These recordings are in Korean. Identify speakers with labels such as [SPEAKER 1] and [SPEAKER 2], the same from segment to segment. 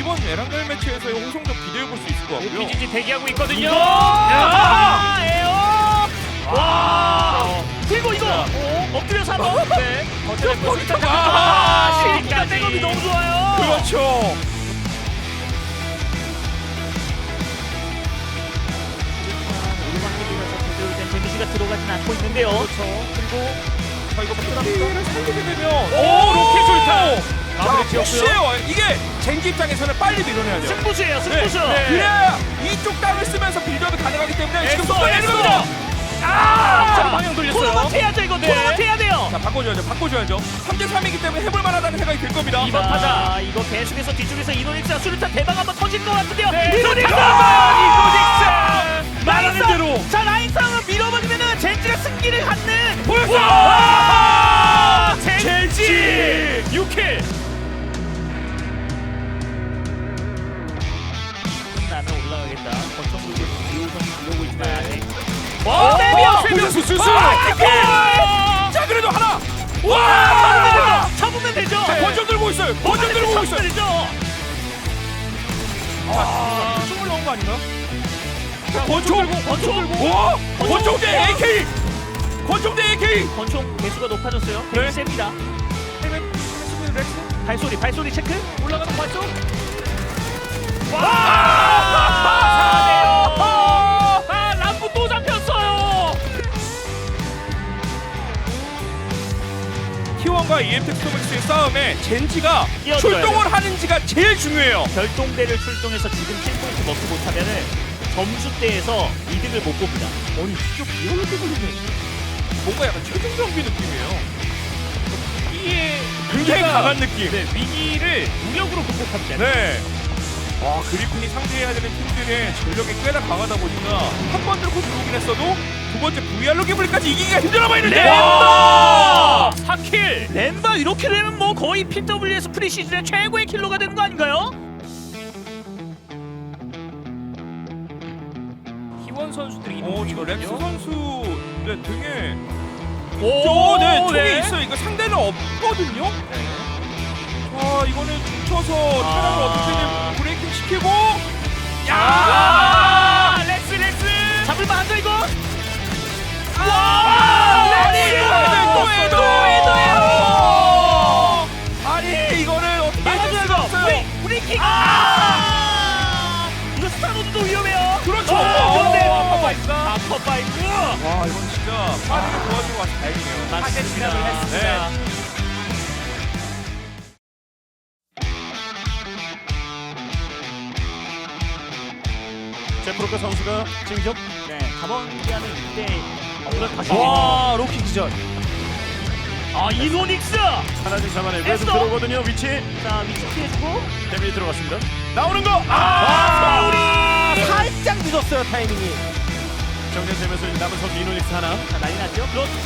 [SPEAKER 1] 이번 에란겔 매치에서의 홍성적 기대해 볼 수 있을 것 같고요.
[SPEAKER 2] PGG 대기하고 있거든요.
[SPEAKER 3] 에어. 와. 그리고 이거 엎드려서 한번.
[SPEAKER 2] 네.
[SPEAKER 3] 시리가 백업이 너무 좋아요.
[SPEAKER 1] 그렇죠.
[SPEAKER 3] 데미지가 들어가진 않고 있는데요.
[SPEAKER 1] 그렇죠. 그리고 자 이거 피를 살리게 되면
[SPEAKER 2] 오, 로켓 술탄. 마무리
[SPEAKER 1] 자,
[SPEAKER 2] 지었고요.
[SPEAKER 1] 역시요. 이게 젠지 입장에서는 빨리 밀어내야 돼요.
[SPEAKER 3] 승부수예요, 승부수.
[SPEAKER 2] 네.
[SPEAKER 1] 그래야 이쪽 땅을 쓰면서 빌드업이 가능하기 때문에 지금
[SPEAKER 2] 엑소,
[SPEAKER 1] 속도를
[SPEAKER 2] 엑소.
[SPEAKER 1] 내립니다.
[SPEAKER 2] 자, 방향 돌렸어요.
[SPEAKER 3] 토너먼트 해야죠 이거.
[SPEAKER 2] 네.
[SPEAKER 3] 토너먼트 해야 돼요.
[SPEAKER 1] 자 바꿔줘야죠. 3대3이기 때문에 해볼 만하다는 생각이 들 겁니다.
[SPEAKER 2] 이번 타자.
[SPEAKER 3] 이거 계속해서 뒤쪽에서 이노닉스와 수류탄 대박 한번 터질 것 같은데요.
[SPEAKER 2] 네.
[SPEAKER 3] 이노닉스!
[SPEAKER 2] 이노닉스! 말하는 대로.
[SPEAKER 3] 자, 라인 싸움을 밀어버리면은 젠지가 승기를 갖는.
[SPEAKER 2] 와! 젠지 6킬.
[SPEAKER 3] 나는 올라가겠다. 권총국이 이호선이 이러고 있지만.
[SPEAKER 2] 와!
[SPEAKER 3] 세비오!
[SPEAKER 2] 수술.
[SPEAKER 1] 자 그래도 하나. 와!
[SPEAKER 3] 잡으면 되죠.
[SPEAKER 1] 자, 권총 들고 있어요. 권총 들고 오고 있어요.
[SPEAKER 3] 잡으면 되죠.
[SPEAKER 1] 총을 넣은 거 아닌가요?
[SPEAKER 2] 권총
[SPEAKER 1] 들고. 와! 권총 대 AK. 권총 대 AK.
[SPEAKER 3] 권총 개수가 높아졌어요.
[SPEAKER 1] 네.
[SPEAKER 3] 되게 셉니다. 발소리 체크.
[SPEAKER 2] 올라가는 발쪽.
[SPEAKER 3] 아, 람프 또 잡혔어요.
[SPEAKER 1] T1과 EMT 스토맥스의 싸움에 젠지가
[SPEAKER 3] 끼어들어야
[SPEAKER 1] 출동을 하는지가 제일 중요해요.
[SPEAKER 3] 별동대를 출동해서 지금 7포인트 먹지 못하면은 점수대에서 이득을 못 봅니다.
[SPEAKER 1] 아니 진짜 비열로 뜨거리네. 뭔가 약간 최종 경기 느낌이에요. 굉장히 강한 느낌.
[SPEAKER 2] 네, 위기를 무력으로 극복합니다.
[SPEAKER 1] 네. 와 그리핀이 상대해야 되는 팀들의 전력이 꽤나 강하다 보니까 한 번 들고 들어오긴 했어도 두 번째 VR로 기블리까지 이기기가 힘들어 보이는데.
[SPEAKER 2] 와! 4킬.
[SPEAKER 3] 램바 이렇게 되면 뭐 거의 PWS 프리시즌의 최고의 킬러가 되는 거 아닌가요?
[SPEAKER 2] T1 선수들이 이동
[SPEAKER 1] 저
[SPEAKER 2] 중이거든요.
[SPEAKER 1] 렉스 선수 네 등에
[SPEAKER 2] 오,
[SPEAKER 1] 네 총이
[SPEAKER 2] 네.
[SPEAKER 1] 있어요. 이거 상대는 없거든요. 자 이거는 뭉쳐서 테란을 어떻게든 브레이킹 시키고
[SPEAKER 2] 야! 렉스.
[SPEAKER 3] 잡을만 하죠 이거?
[SPEAKER 1] 아니 이거는 어떻게
[SPEAKER 3] 막아줘야
[SPEAKER 1] 수가 없어요.
[SPEAKER 3] 프리킥! 이거 스타노드도 위험해요.
[SPEAKER 1] 그렇죠.
[SPEAKER 3] 그런데
[SPEAKER 1] 아파파이크가.
[SPEAKER 3] 아퍼파이크.
[SPEAKER 1] 와 이건 진짜 빠르게 도와주고 와서 다행이네요.
[SPEAKER 3] 맞습니다.
[SPEAKER 1] 네.
[SPEAKER 2] 제프로카 선수가 진격.
[SPEAKER 3] 네, 가방기하는 이때 다시.
[SPEAKER 2] 와, 로키 기절.
[SPEAKER 3] 이노닉스.
[SPEAKER 2] 하나씩 잡아내.
[SPEAKER 3] 에스더.
[SPEAKER 2] 계속 들어오거든요. 위치.
[SPEAKER 3] 자, 위치 피해주고.
[SPEAKER 2] 데미지 들어갔습니다. 나오는 거.
[SPEAKER 3] 파울이.
[SPEAKER 4] 살짝 늦었어요 타이밍이.
[SPEAKER 2] 정리되면서 남은 선수 이노닉스 하나.
[SPEAKER 3] 자, 난리 났죠?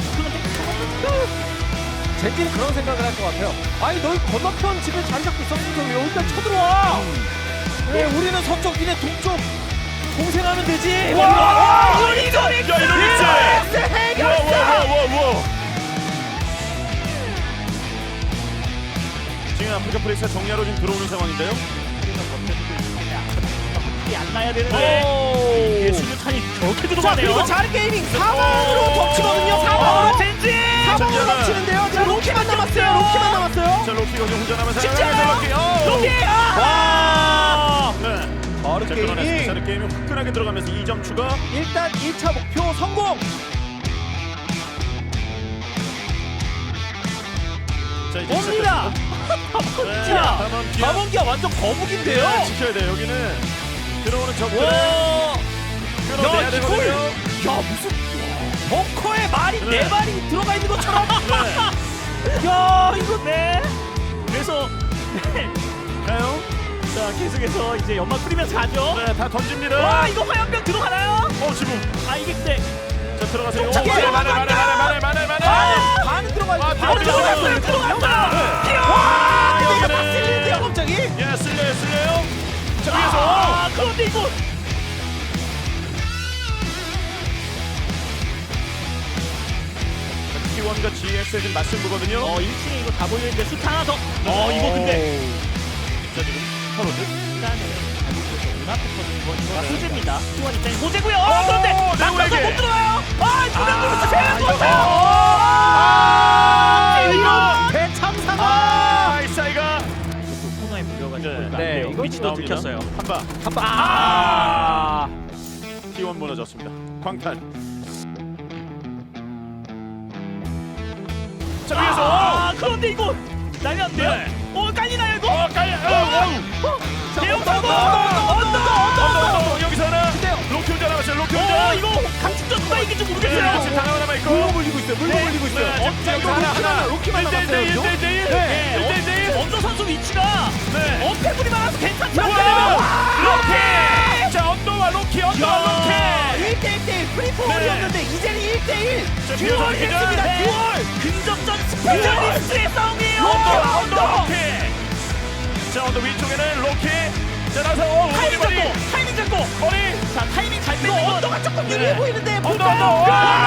[SPEAKER 4] 젠지는 그런 생각을 할 것 같아요. 아니 너희 건너편 집에 자리 잡고 있었으니까 왜 여기까지 쳐들어와? 네, 우리는 서쪽, 니네 동쪽 공생하면 되지.
[SPEAKER 3] 와, 이노닉스.
[SPEAKER 2] 야, 이노닉스.
[SPEAKER 4] 해결사.
[SPEAKER 2] 와. 지금 아프리카 프레스가 정리하러 지금 들어오는 상황인데요.
[SPEAKER 3] 안 나야 되는데. 이게 수류탄이 저렇게
[SPEAKER 4] 자
[SPEAKER 3] 들어가네요.
[SPEAKER 4] 그리고 잘 게이밍 사방으로 덮치거든요. 사방으로.
[SPEAKER 3] 젠지.
[SPEAKER 4] 사방으로 덮치는데요. 자 로키만 남았어요.
[SPEAKER 2] 자, 로키가 좀 혼자 남아서
[SPEAKER 3] 진짜요? 로키.
[SPEAKER 2] 와! 네.
[SPEAKER 4] 바로
[SPEAKER 2] 자, 끊어냈습니다. 자, 게임이 화끈하게 들어가면서 2점 추가.
[SPEAKER 4] 일단 2차 목표 성공.
[SPEAKER 2] 자, 이제
[SPEAKER 4] 옵니다.
[SPEAKER 2] 시작했습니다. 네,
[SPEAKER 4] 담원기가 완전 거북인데요.
[SPEAKER 2] 네, 지켜야 돼요. 여기는 들어오는 적들
[SPEAKER 4] 와.
[SPEAKER 2] 끊어내야
[SPEAKER 4] 야,
[SPEAKER 2] 되거든요.
[SPEAKER 4] 야 무슨 벙커에 말이
[SPEAKER 2] 네.
[SPEAKER 4] 네 마리 들어가 있는 것처럼.
[SPEAKER 2] 네.
[SPEAKER 4] 야 이거
[SPEAKER 3] 네. 그래서
[SPEAKER 2] 가요.
[SPEAKER 3] 자, 계속해서 이제 연막 뿌리면서 가죠.
[SPEAKER 2] 네, 다 던집니다.
[SPEAKER 3] 와, 이거 화염병 들어가나요?
[SPEAKER 2] 지금.
[SPEAKER 3] 아, 이게 근데
[SPEAKER 2] 자, 들어가세요.
[SPEAKER 4] 쫓아가요.
[SPEAKER 2] 만에.
[SPEAKER 4] 반은 들어가 있는
[SPEAKER 2] 들어갔어요.
[SPEAKER 3] 들어갔다.
[SPEAKER 4] 와 근데 이거
[SPEAKER 2] 여기는-
[SPEAKER 4] 막 쓸리는데요 갑자기.
[SPEAKER 2] 예, 쓸려요. 자, 위에서.
[SPEAKER 3] 아, 그런데 이거
[SPEAKER 2] T1과 GX의 지금 맞승부거든요.
[SPEAKER 3] 1층에 이거 다 보이는데 숫 하나 더. 이거 근데
[SPEAKER 2] 자, 지금 서로들.
[SPEAKER 3] 약간의 잘못돼서 눈앞에 터진 호재입니다. 수원 입장에 호재고요.
[SPEAKER 2] 오,
[SPEAKER 3] 그런데
[SPEAKER 2] 네오에게.
[SPEAKER 3] 못 들어가요. 두명 들어갔어. 세명
[SPEAKER 2] 이거
[SPEAKER 4] 대참사가
[SPEAKER 2] 이사이가
[SPEAKER 3] 코너에 물려가지고
[SPEAKER 2] 네.
[SPEAKER 3] 이거 안
[SPEAKER 4] 네,
[SPEAKER 3] 돼요.
[SPEAKER 4] 이거
[SPEAKER 3] 위치도
[SPEAKER 2] 나옵니다.
[SPEAKER 3] 들켰어요.
[SPEAKER 2] 한방 T1 무너졌습니다. 광탄. 자 위에서
[SPEAKER 3] 그런데 이거 난리 났네요.
[SPEAKER 2] 네.
[SPEAKER 3] 깔리나요 이거?
[SPEAKER 2] 깔려.
[SPEAKER 3] 대형 사고!
[SPEAKER 2] 언더 여기서 하나.
[SPEAKER 4] 근데요.
[SPEAKER 2] 로키 혼자 남았어요. 로키 혼자.
[SPEAKER 3] 이거 강축전 누가 이길지
[SPEAKER 2] 네,
[SPEAKER 3] 모르겠어요.
[SPEAKER 2] 지금 하나 남아 있고.
[SPEAKER 4] 물고 물리고 있어요. 물고 물리고 있어요.
[SPEAKER 2] 여기서 하나.
[SPEAKER 4] 로키만 남았어요.
[SPEAKER 2] 1대1.
[SPEAKER 4] 네.
[SPEAKER 3] 언더 선수 위치가
[SPEAKER 2] 네.
[SPEAKER 3] 어패물이 많아서 괜찮지
[SPEAKER 2] 우와!
[SPEAKER 3] 않잖아요.
[SPEAKER 2] 로키! 자, 언더와 로키.
[SPEAKER 4] 1대1 프리포홀이었는데 이제는 1대1
[SPEAKER 2] 자,
[SPEAKER 4] 듀얼
[SPEAKER 2] 비어서
[SPEAKER 4] 했습니다.
[SPEAKER 3] 네.
[SPEAKER 4] 듀얼.
[SPEAKER 3] 근접전 스페셜리스트의 싸움이에요.
[SPEAKER 2] 언더 로키. 자, 언더 위쪽에는 로키. 자, 나서
[SPEAKER 3] 타이밍 잡고
[SPEAKER 2] 머리.
[SPEAKER 3] 자 타이밍 잘
[SPEAKER 4] 이거
[SPEAKER 3] 빼는 건
[SPEAKER 4] 언더가 조금 유리해
[SPEAKER 2] 네.
[SPEAKER 4] 보이는데
[SPEAKER 2] 언더.
[SPEAKER 4] 볼까요?